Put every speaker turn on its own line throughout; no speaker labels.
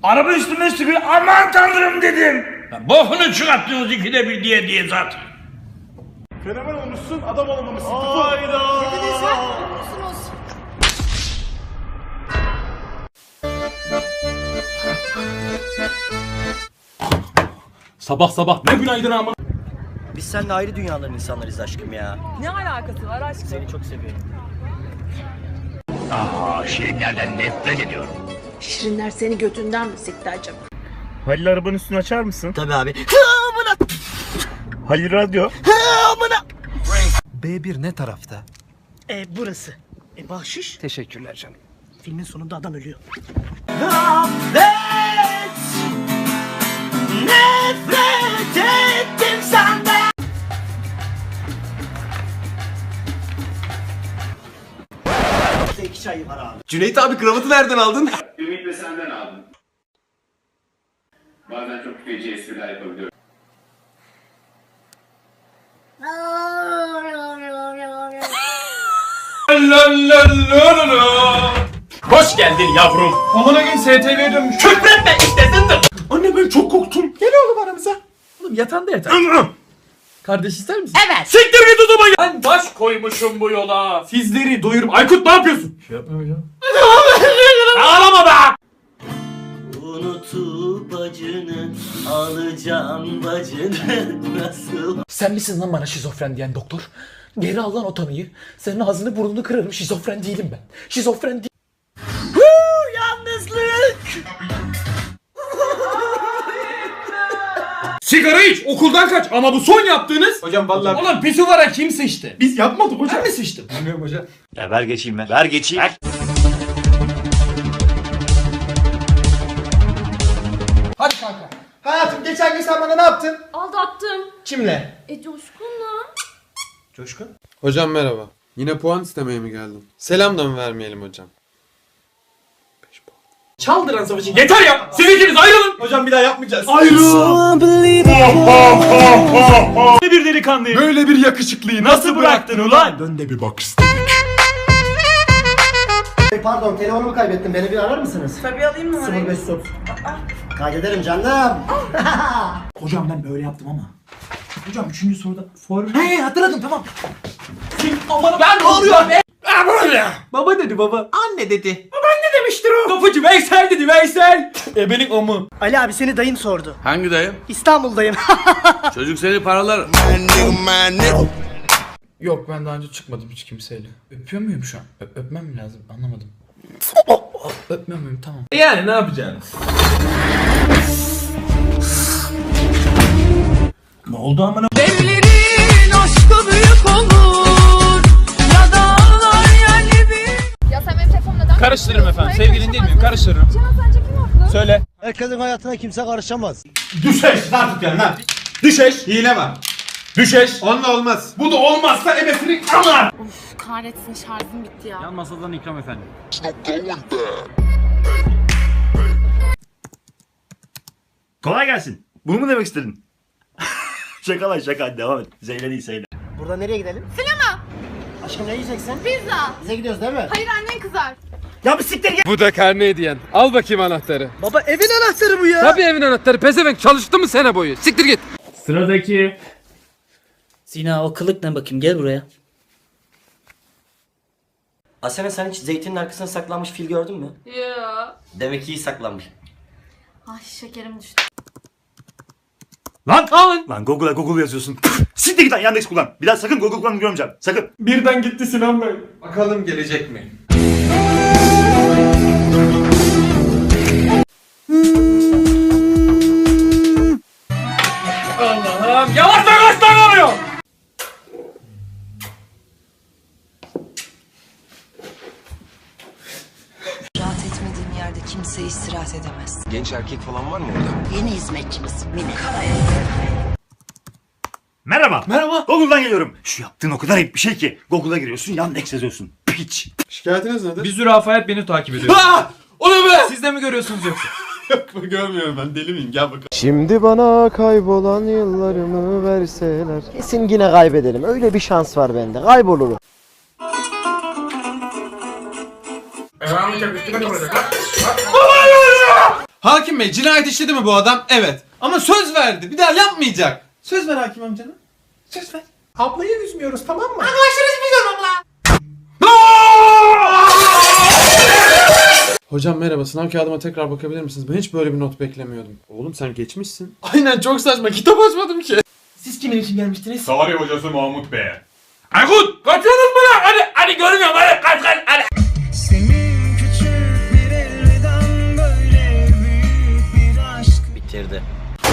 Araba üstüme sürüyor. Aman tanrım dedim. Bokunu çıkarttınız ikide bir diye zaten.
Fenomen olmuşsun, adam olamamışsın.
Hayda.
Sabah sabah ne günaydın ama.
Biz seninle ayrı dünyaların insanlarıyız aşkım ya.
Ne alakası var aşkım?
Seni çok seviyorum.
Şirinlerden nefret ediyorum.
Şirinler seni götünden mi sikti acaba?
Halil arabanın üstünü açar mısın?
Tabii abi.
Halil radyo.
B1 ne tarafta?
Burası. Bahşiş.
Teşekkürler canım.
Filmin sonunda adam ölüyor.
Nefret ettim senden. İki çayı var abi.
Cüneyt abi kravatı nereden aldın?
Ümit de senden aldım. Bazen çok feci espriler yapabiliyorum.
Hoş geldin yavrum. Amına gün STV'ye dönmüş. Küfretme işte zındır. Anne ben çok korktum. Gel oğlum aramıza. Oğlum yatağında yatar. Kardeş ister misin?
Evet.
Siktir git o zaman. Ben baş koymuşum bu yola. Sizleri doyurup. Aykut ne yapıyorsun? Şey yapmayacağım. Ağlama be.
Unutup acını alacağım bacını nasıl?
Sen misin lan bana şizofren diyen doktor? Geri al lan o tanıyı. Senin ağzını burnunu kırarım. Şizofren değilim ben. Şizofren değilim.
Yalnızlık.
Sigara iç, okuldan kaç ama bu son yaptığınız... Hocam vallahi... Oğlum pisuvara kim sıçtı? Biz yapmadık hocam. Ben mi sıçtım? Bilmiyorum hocam.
Ya ver geçeyim ben. Ver geçeyim. Ver.
Hadi kanka. Hayatım geçen gün sen bana ne yaptın?
Aldattım.
Kimle?
Coşkun'la.
Coşkun.
Hocam merhaba. Yine puan istemeye mi geldin? Selam da mı vermeyelim hocam?
Çaldıran savaşı. Yeter ya! Siz ikiniz ayrılın! Hocam bir daha yapmayacağız.
Ne bir delikanlıyım.
Böyle bir yakışıklıyı
Nasıl bıraktın ulan?
Dön de bir bak istedik.
Pardon telefonumu kaybettim. Beni bir arar mısınız?
Tabii alayım mı orayı?
0530. Kaydederim canım.
Hocam ben böyle yaptım ama. Hocam 3. soruda He hatırladım tamam. Aman ben ne oluyor be? Böyle. Baba dedi baba. Anne dedi. Babaanne demiştir o. Kapıcı Veysel dedi Veysel. Benim omu.
Ali abi seni dayın sordu.
Hangi dayım?
İstanbul'dayım.
Çocuk seni paralar.
Yok ben daha önce çıkmadım hiç kimseyle. Öpüyor muyum şu an? Öpmem mi lazım? Anlamadım. Öpmüyor muyum? Tamam.
Yani ne yapacaksınız?
Ne oldu amına?
Evlerin aşkı büyük olur. Ya dağlar yerli bir. Ya sen benim telefonumu neden...
Karıştırırım efendim. Sevgilin değil miyim? Karıştırırım.
Cihan sence kim haklı?
Söyle.
Herkesin hayatına kimse karışamaz.
Düşeş. Ne yapıyorsun lan?
Düşeş.
Hile var.
Düşeş.
Onunla olmaz.
Bu da olmazsa ebesini ama.
Kahretsin şarjım bitti ya.
Yan masadan ikram efendim.
Kolay gelsin. Bunu mu demek istedin? Şaka lan şaka. Devam et. Zeyle değil Zeyle.
Burada nereye gidelim? Sinema. Aşkım ne yiyeceksin?
Pizza.
Bize gidiyoruz değil mi?
Hayır annen kızar.
Ya bir siktir git.
Bu da karne hediyen. Al bakayım anahtarı.
Baba evin anahtarı bu ya.
Tabii evin anahtarı. Pezevenk çalıştı mı sene boyu? Siktir git.
Sıradaki.
Sina o kılık ne bakayım gel buraya. Asena sen hiç zeytinin arkasına saklanmış fil gördün mü?
Ya.
Demek ki iyi saklanmış.
Ay şekerim düştü.
Lan! Lan Google'a Google yazıyorsun. Siktir git lan Yandex kullan. Bir daha sakın Google kullanmayı görmeyeceğim. Sakın.
Birden gitti Sinan Bey.
Bakalım gelecek mi?
Allah'ım yavaş oluyor.
Rahat etmediğim yerde kimse istirahat edemez.
Genç erkek falan var mı orada?
Yeni hizmetçimiz Mine.
Merhaba.
Merhaba.
Google'dan geliyorum. Şu yaptığın o kadar ayıp bir şey ki. Google'a giriyorsun Yandex yazıyorsun. Piç.
Şikayetiniz nedir?
Bir zürafayet beni takip ediyor.
O ne be?
Siz de mi görüyorsunuz yoksa?
Yok görmüyorum ben deli miyim gel bakalım.
Şimdi bana kaybolan yıllarımı verseler. Kesin yine kaybederim. Öyle bir şans var bende. Kaybolurum.
Hakim bey cinayet işledi mi bu adam? Evet. Ama söz verdi. Bir daha yapmayacak. Söz ver hakim amcana. Söz ver.
Ablayı üzmüyoruz tamam mı?
Hocam merhaba, sınav kağıdıma tekrar bakabilir misiniz? Ben hiç böyle bir not beklemiyordum. Oğlum sen geçmişsin. Aynen, çok saçma, kitap açmadım ki.
Siz kimin için gelmiştiniz?
Tarih hocası Mahmut Bey. Aykut kaçıyorsunuz mu lan? Hadi görmüyorum hadi kaç.
Senin küçük bir elveden böyle büyük bir aşk.
Bitirdi.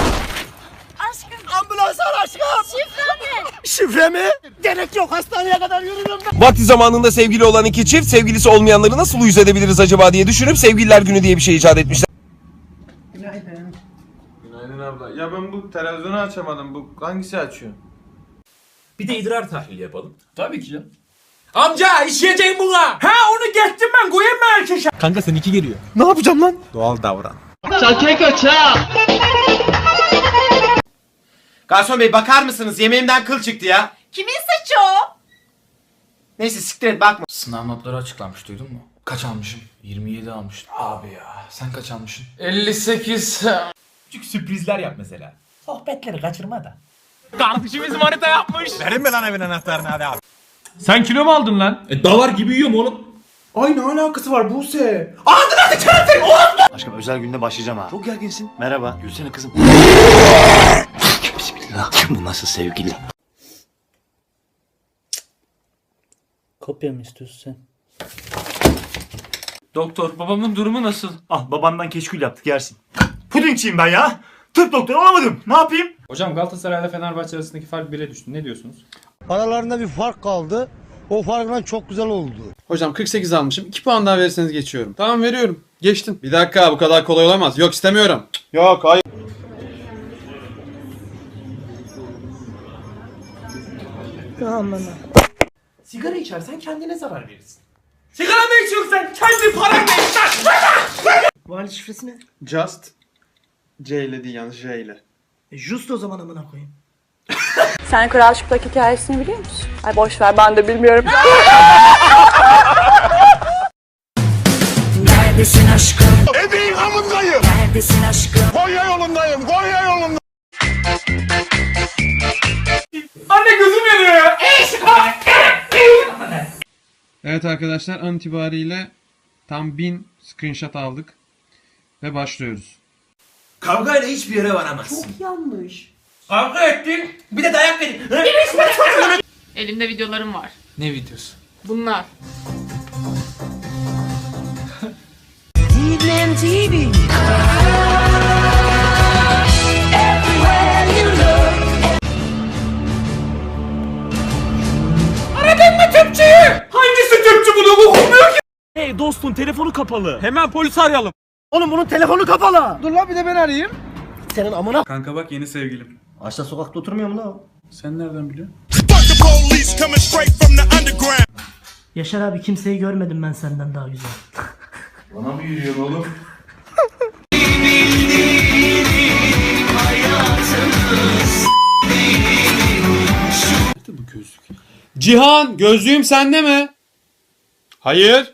Ambulans ar aşkım. Şifre mi? Gerek yok, hastaneye kadar yürürüm ben.
Vakti zamanında sevgili olan iki çift sevgilisi olmayanları nasıl uyuz edebiliriz acaba diye düşünüp Sevgililer Günü diye bir şey icat etmişler.
Günaydın.
Günaydın abla. Ya ben bu televizyonu açamadım. Bu hangisi açıyor?
Bir de idrar tahlili yapalım.
Tabii ki canım.
Amca işleyeceğim buna.
Ha onu geçtim ben koyayım mı erkeşe?
Kanka seninki geliyor.
Ne yapacağım lan?
Doğal davran.
Garson bey bakar mısınız? Yemeğimden kıl çıktı ya.
Kimin saçı o?
Neyse siktir et bakma.
Sınav notları açıklanmış, duydun mu? Kaç almışım? 27 almışım. Abi ya sen kaç almışsın? 58.
Küçük sürprizler yap mesela. Sohbetleri kaçırma da.
Kardeşimiz manita yapmış.
Verin mi lan evin anahtarını hadi abi.
Sen kilo mu aldın lan?
Davar gibi yiyorum oğlum.
Ay ne alakası var Buse?
Aşkım özel günde başlayacağım ha. Çok gerginsin. Merhaba. Gülsene kızım. Bismillah. Bu nasıl sevgili?
Kopya mı istiyorsun sen?
Doktor babamın durumu nasıl?
Ah babandan keşkül yaptık yersin. Pudingçiyim ben ya. Tıp doktoru olamadım. Ne yapayım?
Hocam Galatasaray'la Fenerbahçe arasındaki fark 1'e düştü. Ne diyorsunuz?
Aralarında bir fark kaldı. O farkla çok güzel oldu.
Hocam 48 almışım. 2 puan daha verirseniz geçiyorum. Tamam veriyorum. Geçtin. Bir dakika, bu kadar kolay olamaz. Yok istemiyorum. Yok hayır.
Aman.
Sigara içersen kendine zarar verirsin.
Sigara mı içiyorsun sen? Kendi paranla iç lan!
Vali şifresi ne?
Just C ile değil, yalnız J ile.
Just o zaman amına koyayım.
Sen Kral Çıplak hikayesini biliyor musun? Ay boş ver ben de bilmiyorum. Neredesin aşkım?
Ebeğin hamındayım.
Neredesin aşkım?
Konya yolundayım. Konya yolundayım.
Anne gözüm yanıyor ya.
Evet arkadaşlar, an itibariyle tam 1000 screenshot aldık. Ve başlıyoruz.
Kavgayla hiçbir yere varamazsın.
Kavga ettin.
Bir de dayak verin.
Elimde videolarım var.
Ne videosu?
Bunlar.
Hangisi Türkçü bunu okumuyor ki?
Hey dostum telefonu kapalı.
Hemen polisi arayalım.
Oğlum bunun telefonu kapalı. Dur lan bir de ben arayayım. Senin amına.
Kanka bak, yeni sevgilim.
Ağaçta sokakta oturmuyor mu lan o?
Sen nereden biliyorsun?
Yaşar abi kimseyi görmedim ben senden daha güzel.
Bana mı yürüyorsun oğlum? Nerede bu gözlük? Cihan, gözlüğüm sende mi? Hayır.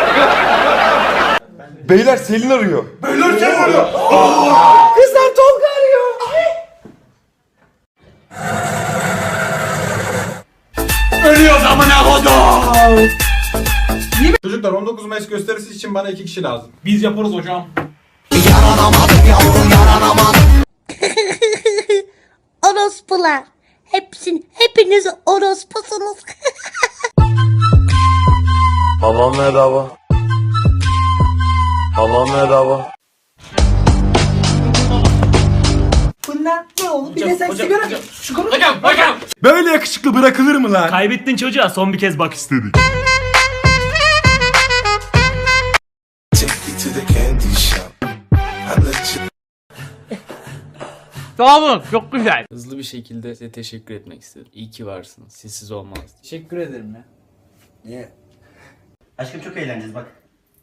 Beyler Selin arıyor.
Kızlar Tolga arıyor.
Ölüyoruz amına kodum.
Çocuklar 19 Mayıs gösterisi için bana 2 kişi lazım.
Biz yaparız hocam.
Orospular. Hepiniz orospusunuz.
Babam merhaba. Babam merhaba.
Bunlar ne oğlum? Bir de sen sigara.
Hocam.
Böyle yakışıklı bırakılır mı lan? Kaybettin çocuğa son bir kez bak istedik.
Sağ olun. Çok güzel.
Hızlı bir şekilde size teşekkür etmek istedim. İyi ki varsınız. Sizsiz olmaz.
Teşekkür ederim ya.
Niye? Aşkım çok eğleneceğiz bak.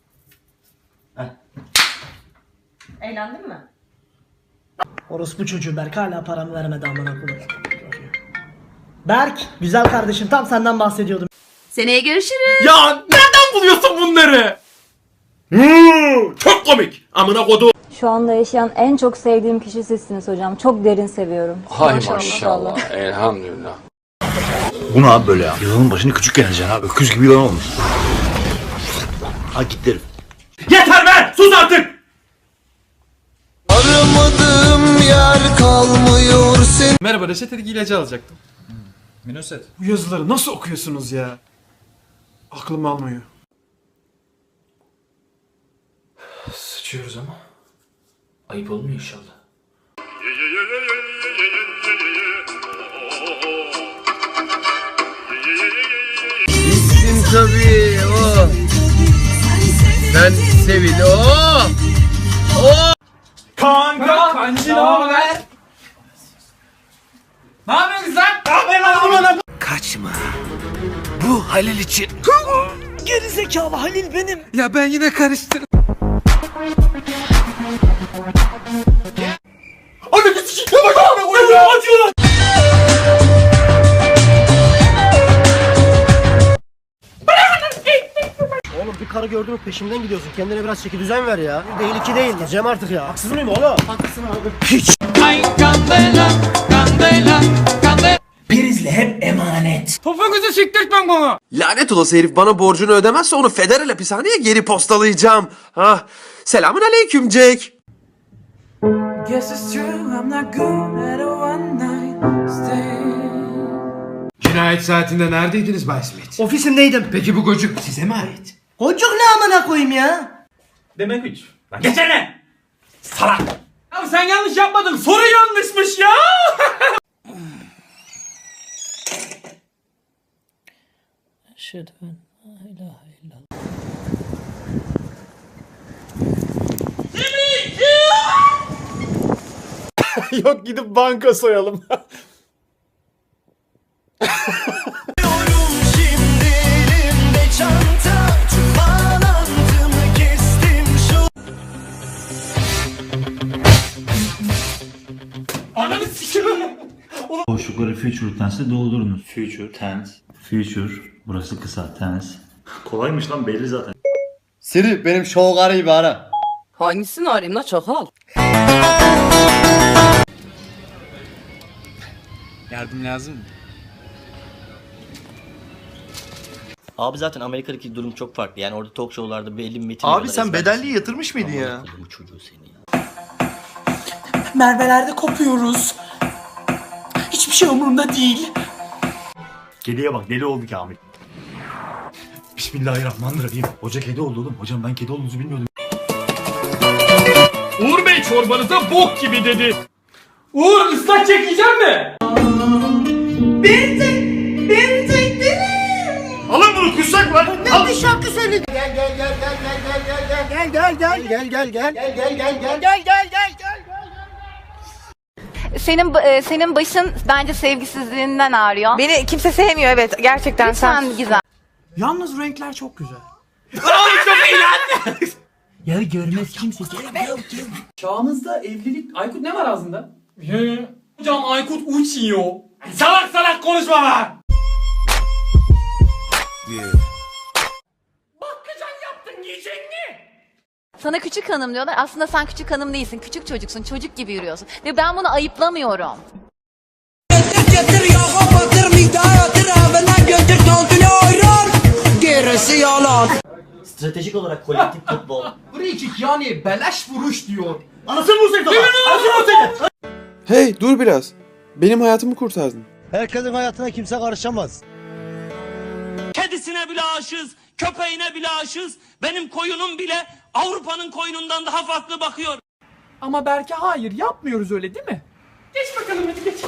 Eğlendin mi?
Orospu çocuğu Berk hala paramı vermedi amına koyayım. Berk güzel kardeşim tam senden bahsediyordum.
Seneye görüşürüz.
Ya nereden buluyorsun bunları? Çok komik. Amına kodum.
Şu anda yaşayan en çok sevdiğim kişi sizsiniz hocam. Çok derin seviyorum.
Hay maşallah. Elhamdülillah.
Bu ne abi böyle ya? Yılanın başını küçük geleceksin abi. Öküz gibi yılan olmuş. Ha git derim. Yeter be! Sus artık!
Aramadığım yer kalmıyor sen.
Merhaba, reçetedeki ilacı alacaktım.
Minoset.
Bu yazıları nasıl okuyorsunuz ya? Aklım almıyor. Sıçıyoruz ama. Ayıp olmuyor inşallah.
Bittin tabii o. Sen sevil o.
Kanka kancı ne haber? Ne yapıyorsun sen? Ne yapıyorsun lan?
Kaçma. Bu Halil için. Geri zekalı Halil benim. Ya ben yine karıştırdım.
Anne bir sikikle bak abi. Acıyorlar.
Oğlum bir karı gördün mü peşimden gidiyorsun. Kendine biraz çeki düzen ver ya. Bir değil iki değil. Cem artık ya. Haksız mıyım oğlum? Haklısın abi. Hiç.
Ay kandela, kandela, kandela. Prizle hep emanet. Topuğunuzu siktirtmem bana.
Lanet olası herif bana borcunu ödemezse onu federal hapishaneye geri postalayacağım. Ah. Selamun aleyküm Jack.
Cinayet saatinde neredeydiniz Bay Smith?
Ofisimdeydim.
Peki bu gocuk size mi ait?
Kocuk ne amına koyayım ya?
Demek 3. Lan geçene. Salak. Ya sen yanlış yapmadın. Soru yanlışmış ya.
Yok gidip banka soyalım.
Şimdi elimde çanta. Tüm bağlantımı kestim şu.
Ananı sikiyorum.
Boşlukları future tense'le doldurunuz. Future tense. Future. Burası kısa tense. Kolaymış lan belli zaten.
Siri benim şovgarıyı bir ara.
Hangisini arayayım la çakal?
Yardım lazım mı?
Abi zaten Amerika'daki durum çok farklı. Yani orada talk show'larda belli bir metin.
Abi sen bedelliği yatırmış mıydın ya?
Bu çocuğu seni ya.
Mervelerde kopuyoruz. Hiçbir şey umurumda değil.
Kediye bak deli oldu Kamil. Bismillahirrahmanirrahim. Hoca kedi oldu oğlum. Hocam ben kedi olduğunuzu bilmiyordum.
Uğur Bey çorbanıza bok gibi dedi.
Uğur ıslak çekeceğim mi?
Alın bunu kuşak var. Al.
Şarkı söyledi.
Senin başın bence sevgisizliğinden ağrıyor.
Beni kimse sevmiyor evet gerçekten
Lütfen güzel.
Yalnız renkler çok güzel.
Ya görmez kimse. Çağımızda evlilik... Aykut ne var ağzında? Hocam Aykut uçuyor. Salak salak konuşma lan. Bakkacan yaptın yiyecek mi?
Sana küçük hanım diyorlar. Aslında sen küçük hanım değilsin. Küçük çocuksun. Çocuk gibi yürüyorsun. Ve ben bunu ayıplamıyorum.
Stratejik olarak kolektif futbol.
Free kick yani beleş vuruş diyor.
Anasını vursaydı lan. Anasını vursaydı.
Hey dur biraz. Benim hayatımı kurtardın.
Herkesin hayatına kimse karışamaz.
Kedisine bile aşığız, köpeğine bile aşığız. Benim koyunum bile Avrupa'nın koyunundan daha farklı bakıyor.
Ama belki hayır yapmıyoruz öyle değil mi? Geç bakalım hadi geç.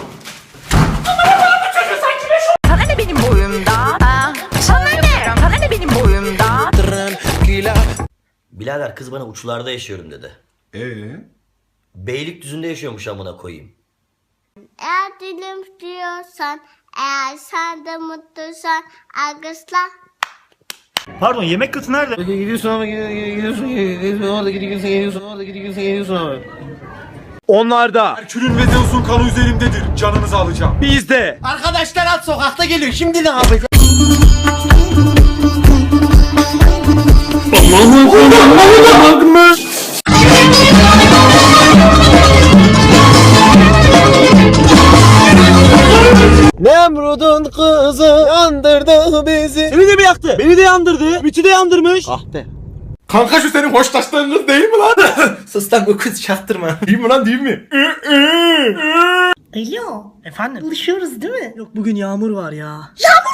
Sana ne benim boyumda? Sana ne? Sana ne benim boyumda?
Birader kız bana uçlarda yaşıyorum dedi. Beylikdüzü'nde yaşıyormuş amına koyayım.
Eğer dilim diyorsan, eğer sen de mutluysan, alkışla.
Pardon yemek kıtı nerede?
Gidiyorsun ama gidiyorsun orada gidiyorsun ama.
Onlarda. Herkül'ün ve Zeus'un kanı üzerimdedir. Canınızı alacağım. Bizde.
Arkadaşlar at sokakta geliyor. Şimdi ne yapacağız?
Aman
kızı yandırdı bizi. Seni de mi yaktı? Beni de yandırdı. Ümit'i de yandırmış. Ah be.
Kanka şu senin hoşlaştığın kız değil mi lan?
Sus lan bu kız çaktırma.
Değil mi lan değil mi?
Alo. Efendim? Buluşuyoruz değil mi? Yok bugün yağmur var ya.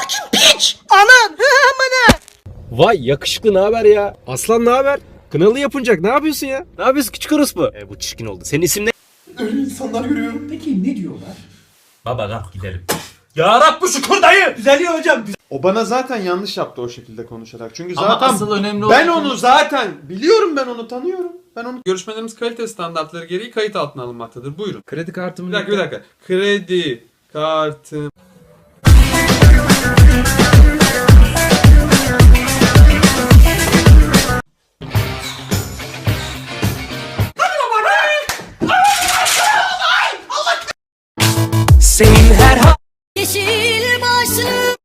Vay yakışıklı ne haber ya? Aslan ne haber? Kınalı yapınacak ne yapıyorsun ya? Ne yapıyorsun küçük orospu? Bu çirkin oldu. Senin isim ne?
Öyle insanlar görüyorum.
Peki ne diyorlar?
Baba kalk gidelim. Ya Rabbi şükür dayı.
Düzeliyor hocam.
O bana zaten yanlış yaptı o şekilde konuşarak. Çünkü
Ama
zaten
asıl önemli
ben
olan-
onu zaten biliyorum, ben onu tanıyorum. Görüşmelerimiz kalite standartları gereği kayıt altına alınmaktadır. Buyurun.
Kredi kartımı...
Bir dakika. Kredi kartım.
Yeşil başlı.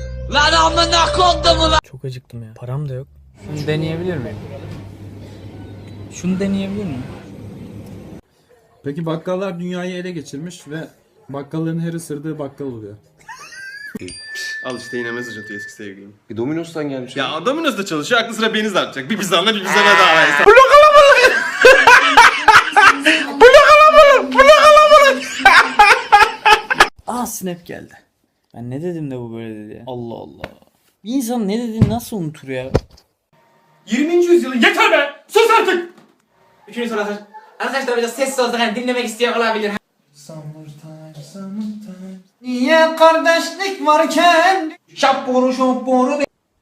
Çok acıktım ya. Param da yok. Şunu deneyebilir miyim? Şunu deneyebilir miyim?
Peki bakkallar dünyayı ele geçirmiş ve bakkalların her ısırdığı bakkal oluyor.
Al işte yine mesaj atıyor eski sevgilim.
Domino's'tan gelmiş.
Ya Domino's'da çalışıyor, aklı sıra beni zartacak. Bir bizanla bir bizana daha versin.
Aa snap geldi. Ben ne dedim de bu böyle dedi ya. Allah Allah. Bir insan ne dediğini nasıl unutur ya?
20. yüzyılın yeter be! Sus artık! Üçüncü soru arkadaşlar biraz sessiz olsak hani dinlemek isteyen olabilir. Niye kardeşlik varken şapboru şapboru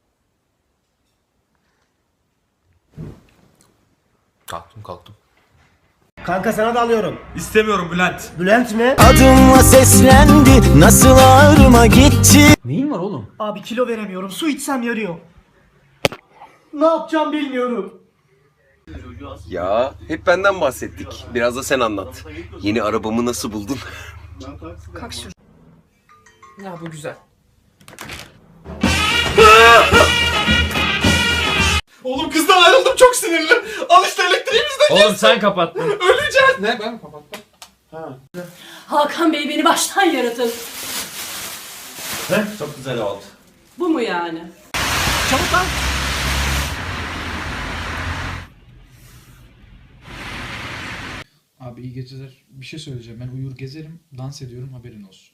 Kalktım.
Kanka sana da alıyorum.
İstemiyorum Bülent.
Bülent mi?
Adımla seslendi. Nasıl ağrıma gitti.
Neyin var oğlum?
Abi kilo veremiyorum. Su içsem yarıyor. Ne yapacağım bilmiyorum.
Ya hep benden bahsettik. Biraz da sen anlat. Yeni arabamı nasıl buldun?
Ya bu güzel.
Oğlum kızdan ayrıldım, çok sinirli. Al işte elektriğimizden.
Oğlum sen kapattın.
Öleceğiz. Ne, ben mi kapattım?
Hakan Bey beni baştan yaratın.
Çok güzel oldu.
Bu mu yani?
Çabuk lan.
Abi iyi geceler. Bir şey söyleyeceğim. Ben uyur gezerim, dans ediyorum, haberin olsun.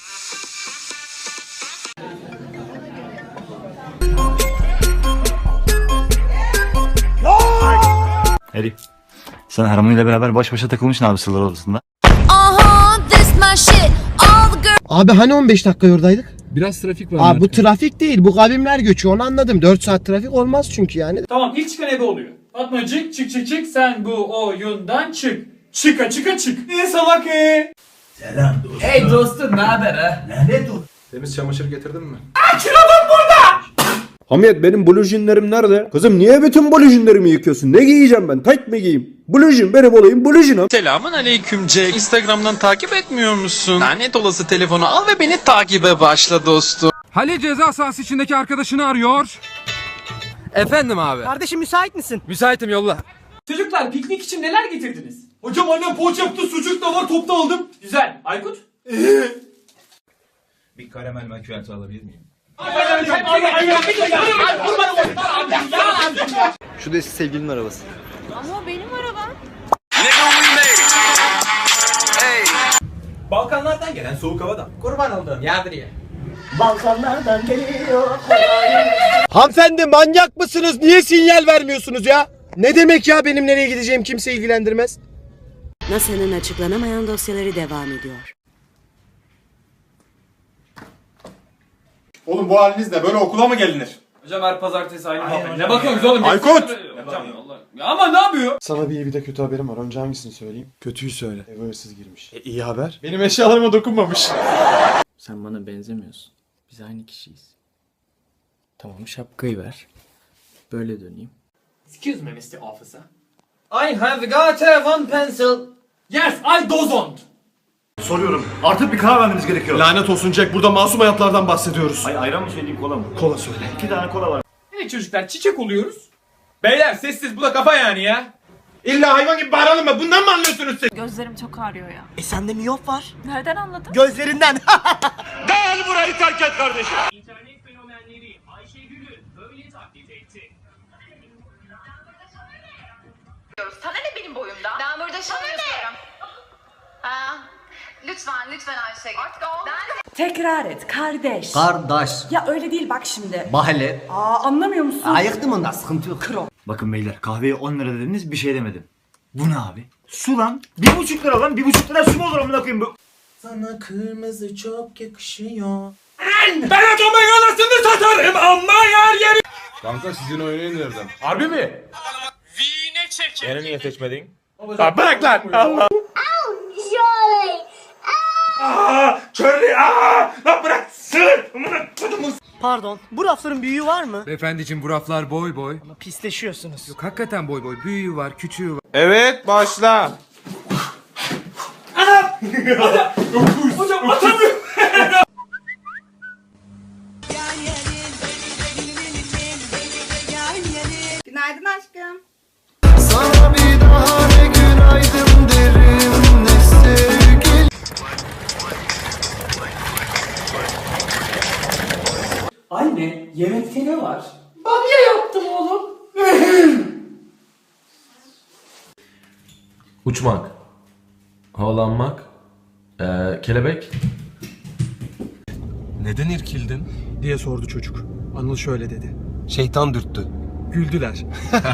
Herif. Sen Harmony ile beraber baş başa takılmışsın abi sırlar odasında.
Abi hani 15 dakika yoradaydık?
Biraz trafik var.
Abi bu trafik değil, bu kavimler göçü, onu anladım. 4 saat trafik olmaz çünkü yani.
Tamam ilk çıkan ebe oluyor. Fatmacık çık sen bu oyundan çık. Çık. Salak
Selam dostum.
Hey dostum ne haber ha?
Lanet olsun.
Temiz çamaşır getirdin mi?
Hamiyet benim blujinlerim nerede? Kızım niye bütün blujinlerimi yıkıyorsun? Ne giyeceğim ben? Tayt mı giyeyim? Blujin benim olayım blujinam.
Selamun aleyküm Jack. Instagram'dan takip etmiyor musun? Lanet olası telefonu al ve beni takibe başla dostum.
Halil ceza sahası içindeki arkadaşını arıyor. Efendim abi.
Kardeşim müsait misin?
Müsaitim yolla.
Çocuklar piknik için neler getirdiniz? Hocam annem poğaça yaptı, sucuk da var, topta aldım. Güzel. Aykut?
Bir karamel makyajı alabilir miyim?
Şu da eski sevgilinin arabası.
Ama benim arabam.
Balkanlardan gelen soğuk havadan.
Kurban olduğum yadriye.
Balkanlardan geliyor.
Hanımefendi manyak mısınız? Niye sinyal vermiyorsunuz ya? Ne demek ya benim nereye gideceğim kimse ilgilendirmez.
NASA'nın açıklanamayan dosyaları devam ediyor.
Oğlum bu halinizle böyle okula mı gelinir?
Hocam her pazartesi aynı muhabbet. Ne bakıyorsunuz oğlum?
Aykut!
Hocam Allah. Ya ama ne yapıyor?
Sana bir iyi bir de kötü haberim var. Önce hangisini söyleyeyim? Kötüyü söyle. Eve hırsız girmiş. İyi haber. Benim eşyalarıma dokunmamış.
Sen bana benzemiyorsun. Biz aynı kişiyiz. Tamam şapkayı ver. Böyle döneyim.
Excuse me Mr. Officer. I have got a one pencil. Yes, I don't.
Soruyorum. Artık bir karar vermeniz gerekiyor.
Lanet olsun Jack, burada masum hayatlardan bahsediyoruz.
Ay ayran mı söyleyeyim kola mı?
Kola söyle.
2 tane kola var.
Evet çocuklar çiçek oluyoruz. Beyler sessiz, bu da kafa yani ya.
İlla hayvan gibi bağıralım mı? Bundan mı anlıyorsunuz siz?
Gözlerim çok ağrıyor ya.
Sende miyop var.
Nereden anladın?
Gözlerinden.
Gel burayı terk et kardeşim.
İnternet fenomenleri Ayşegül'ü böyle taklit etti.
Sana ne benim boyumda? Ben burada çalışıyorum. Lütfen Ayşegül.
Tekrar et kardeş.
Kardeş.
Ya öyle değil bak şimdi.
Mahalle.
Anlamıyor musun?
Ayıktım ondan sıkıntı yok.
Bakın beyler kahveye 10 lira dediniz bir şey demedim. Bu ne abi? Su lan. 1,5 lira lan. 1,5 lira su mu olur amına koyayım bu?
Sana kırmızı çok yakışıyor.
Ben adamın anasını satarım ama yer yeri.
Kanka sizin oynayın nereden?
Harbi mi?
Vine çekin.
Beni niye seçmedin? Bırak lan. Allah. Çörlü. Lan bırak. Sığır. Amına kodumun.
Pardon. Bu rafların büyüğü var mı?
Beyefendiciğim bu raflar boy boy.
Pisleşiyorsunuz.
Yok hakikaten boy boy. Büyüğü var, küçüğü var.
Evet başla.
Hocam atamıyorum.
Günaydın aşkım.
Sana bir daha ne günaydın derim ne sevgili.
Anne yemekte ne var?
Uçmak. Havalanmak. Kelebek. Neden irkildin?
Diye sordu çocuk. Anıl şöyle dedi.
Şeytan dürttü.
Güldüler.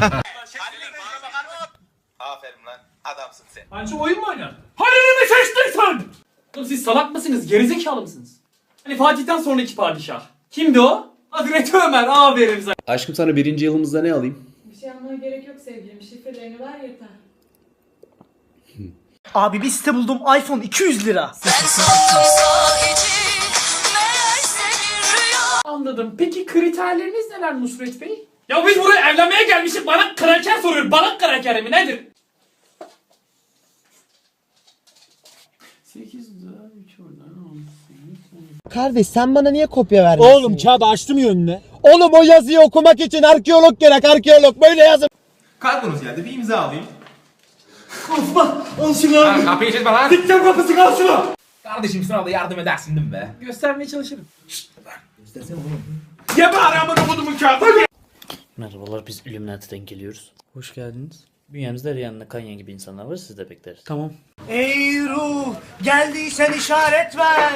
Aferin lan. Adamsın sen.
Anca oyun mu oynar? Halil'i mi seçtin sen? Oğlum siz salak mısınız? Gerizekalı mısınız? Hani Fatih'ten sonraki padişah. Kimdi o? Hazreti Ömer. Aferin sana.
Aşkım sana 1. yılımızda ne alayım?
Bir şey almaya gerek yok sevgilim. Şifrelerini ver yeter.
Abi bir site buldum. iPhone 200 lira.
Anladım. Peki kriterleriniz neler Nusret Bey? Ya biz buraya evlenmeye gelmişiz. Bana kraker soruyor. Bana kraker mi nedir? 8 daha 3 oradan.
Kardeş sen bana niye kopya vermiyorsun?
Oğlum kağıdı açtım ya önüne.
Oğlum o yazıyı okumak için arkeolog gerek arkeolog böyle yazın.
Kalbunuz geldi. Bir imza alayım.
Al şunu abi.
Kapıyı çizme lan.
Dikten kapısı al şunu.
Kardeşim sınavda yardım edersin değil mi be?
Göstermeye çalışırım.
Ye bari amına kodumun kağıdı.
Merhabalar biz Illuminati'den geliyoruz. Hoş geldiniz. Bünyemizde Rihanna, Kanye gibi insanlar var siz de bekleriz. Tamam.
Ey ruh geldiysen işaret ver.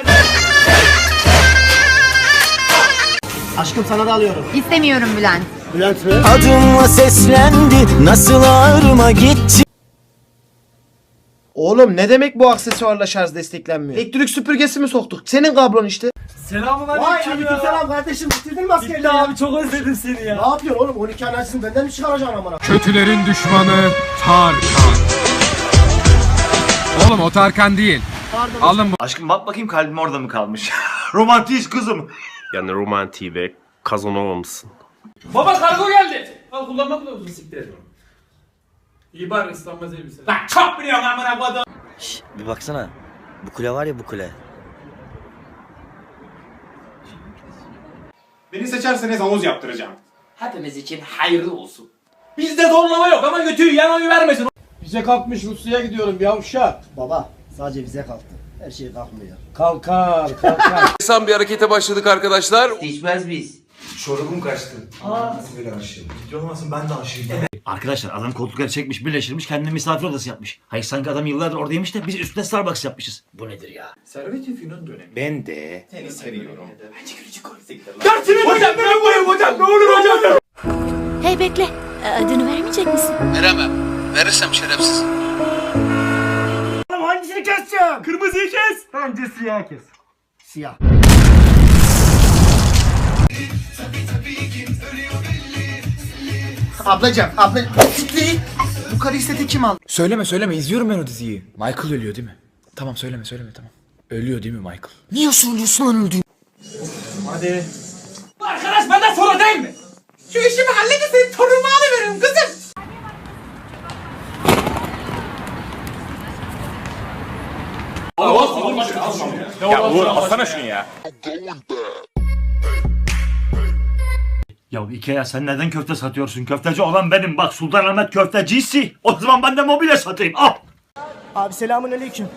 Aşkım sana da alıyorum.
İstemiyorum Bülent.
Bülent mi?
Adımla seslendi nasıl ağrıma gitti. Oğlum ne demek bu aksesuarla şarj desteklenmiyor? Elektrik süpürgesi mi soktuk? Senin kablon işte.
Selamun aleyküm ya. Selam kardeşim bitirdin mi askerliği? Bitti abi çok özledim seni ya. Ne yapıyorsun oğlum 12 anasını benden mi çıkaracaksın amına?
Kötülerin düşmanı Tarkan. Oğlum o Tarkan değil. Alın bu.
Aşkım bak bakayım kalbim orada mı kalmış? Romantiyiz kızım.
Yani romantiği ve Kazanova mısın?
Baba kargo geldi. Al kullanma kılavuzunu siktir et. İyi bari ıslanmaz elbise. Lan çok biliyorum amına kodum.
Bir baksana. Bu kule var ya bu kule.
Beni seçerseniz havuz yaptıracağım.
Hepimiz için hayırlı olsun. Bizde zorlama yok ama götüyü yan oyu vermesin.
Bize kalkmış Rusya'ya gidiyorum yavşak.
Baba sadece bize kalktı. Her şey kalkmıyor.
Kalkar.
Sen bir harekete başladık arkadaşlar.
Değişmez biz.
Çorabım kaçtı. Nasıl böyle aşığım? Ciddi olmasın ben de aşığım. Arkadaşlar adam koltukları çekmiş birleştirmiş kendine misafir odası yapmış. Hayır sanki adam yıllardır oradaymış da biz üstüne Starbucks yapmışız. Bu nedir ya?
Servet-i Fünun dönemi.
Ben de. Seni seviyorum.
Dersini hocam ben koyayım hocam ne olur hocam.
Hey bekle. Adını vermeyecek misin?
Veremem. Verirsem şerefsiz.
Hangisini keseceğim?
Kırmızıyı kes.
Bence siyah kes. Siyah. Ablacım, siktir. Bu karı istedi kim aldı?
Söyleme izliyorum ben o diziyi. Michael ölüyor değil mi? Tamam söyleme tamam. Ölüyor değil mi Michael?
Niye söylüyorsun lan öldüğünü?
Hadi. Arkadaş benden sonra değil mi? Şu işimi halledin senin torunumu alıveririm kızım.
Ya Uğur alsana şunu ya. Ya Ikea sen neden köfte satıyorsun? Köfteci olan benim. Bak Sultanahmet köftecisi. O zaman ben de mobilya satayım. Al.
Abi selamun aleyküm.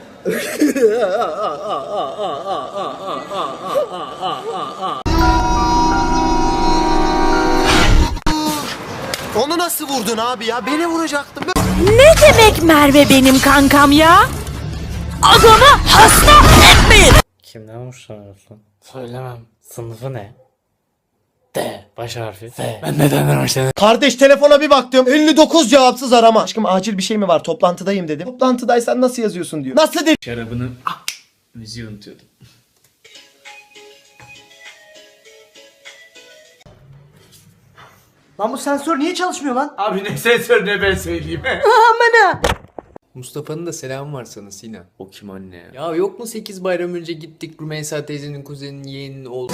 Onu nasıl vurdun abi ya? Beni vuracaktın.
Ne demek Merve benim kankam ya? Adamı hasta etmeyin.
Kimden hoşlanıyorsun? Söylemem. Sınıfı ne? D. Baş harfi. F. Ben neden hoşlanıyorum?
Kardeş telefona bir baktım. 59 cevapsız arama. Aşkım acil bir şey mi var? Toplantıdayım dedim. Toplantıdaysan nasıl yazıyorsun diyor. Nasıl dedi?
Şarabını müziği unutuyordum.
Lan bu sensör niye çalışmıyor lan?
Abi ne sensör ne ben söyleyeyim.
Amına.
Mustafa'nın da selamı var sana Sinan. O kim anne ya? Ya yok mu 8 bayram önce gittik Rümeysa teyzenin kuzeninin yeğeninin oğlu.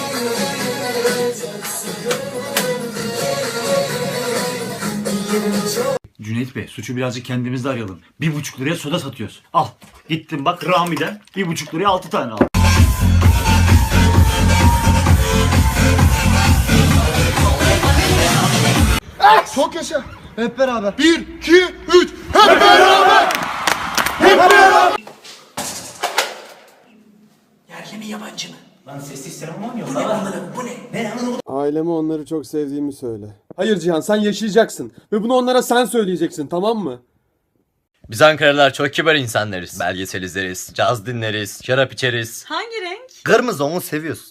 Cüneyt Bey suçu birazcık kendimizde arayalım. 1,5 liraya soda satıyoruz. Al. Gittim bak Rami'den 1,5 liraya 6 tane al.
Çok yaşa. Hep beraber. 1, 2, 3. Hep beraber. Hep beraber.
Yerli mi yabancı mı?
Lan sessiz sinema mı oynuyorsun? Bu ne?
Aileme onları çok sevdiğimi söyle. Hayır Cihan sen yaşayacaksın. Ve bunu onlara sen söyleyeceksin tamam mı?
Biz Ankaralılar çok kibar insanlarız. Belgesel izleriz, caz dinleriz, şarap içeriz.
Hangi renk?
Kırmızı onu seviyoruz.